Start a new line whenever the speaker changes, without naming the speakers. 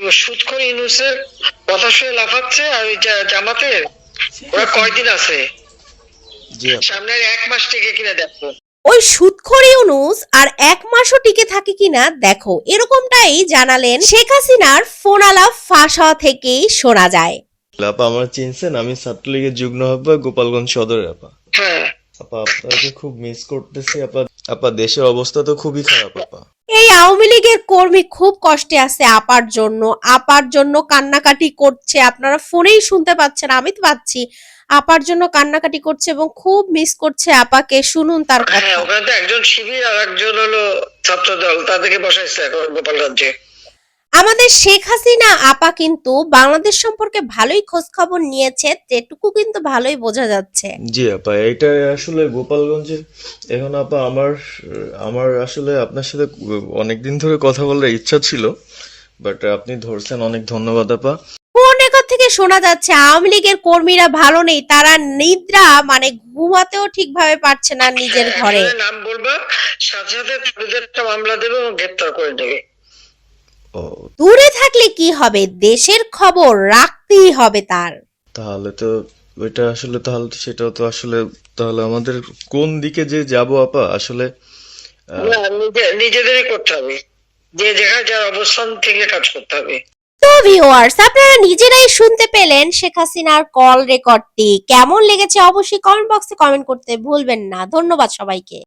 সুদখোর ইউনূসের কথা শুনে লাফাচ্ছে, আর ওই জামাতের ওরা কয়দিন আছে? সামনে 1 মাস টিকে কিনা দেখো।
ওই সুদখোর ইউনূস আর 1 মাসও টিকে থাকে কিনা দেখো, এরকমটাই জানালেন শেখ হাসিনার ফোন আলাপ ফাঁস হওয়া থেকেই শোনা যায়।
আপা আমার চিনছেন, আমি ছাত্রলীগের যুগ্ম আহ্বায়ক গোপালগঞ্জ সদরের আপা।
হ্যাঁ
আপা আপনাকে খুব মিস করতেছি আপা। আপা দেশের অবস্থা তো খুবই খারাপ আপা।
এই আওয়ামী লীগের কর্মী খুব কষ্টে আছে আপার জন্য কান্নাকাটি করছে। আপনারা ফোনেই শুনতে পাচ্ছেন, আমি তো পাচ্ছি। আপার জন্য কান্নাকাটি করছে এবং খুব মিস করছে আপাকে। শুনুন তার কথা।
হ্যাঁ, ওখানে তো একজন শিবির আর একজন হলো ছাত্রদল, তাদেরকে বসাইছে এখন গোপালগঞ্জে।
আমাদের শেখ হাসিনা আপা কিন্তু বাংলাদেশ সম্পর্কে ভালোই খোঁজ খবর নিয়েছে, যেটুকু কিন্তু ভালোই বোঝা যাচ্ছে।
জি আপা, এটা আসলে গোপালগঞ্জে এখন আপা আমার আসলে আপনার সাথে অনেকদিন ধরে কথা বলার ইচ্ছা ছিল, বাট আপনি ধরছেন, অনেক ধন্যবাদ আপা।
কোন রেকর্ড থেকে শোনা যাচ্ছে আওয়ামী লীগের কর্মীরা ভালো নেই, তারা নিদ্রা মানে ঘুমাতেও ঠিকভাবে পারছে না নিজের ঘরে।
নাম বলবা, সাথে সাথে তাদের একটা মামলা দেবে এবং গ্রেপ্তার করে দেবে।
দূরে থাকলে কি হবে, দেশের খবর রাখতেই হবে তার।
তাহলে তো ওইটা আসলে, তাহলে তো সেটাও তো আসলে, তাহলে আমাদের কোন দিকে যে যাব আপা আসলে?
না, নিজেদেরই করতে হবে, যে জায়গায় যার অবস্থান থেকে কাজ করতে হবে।
তো ভিউয়ার্স, আপনারা নিজেরাই শুনতে পেলেন শেখ হাসিনার কল রেকর্ডটি। কেমন লেগেছে অবশ্যই কমেন্ট বক্সে কমেন্ট করতে ভুলবেন না। ধন্যবাদ সবাইকে।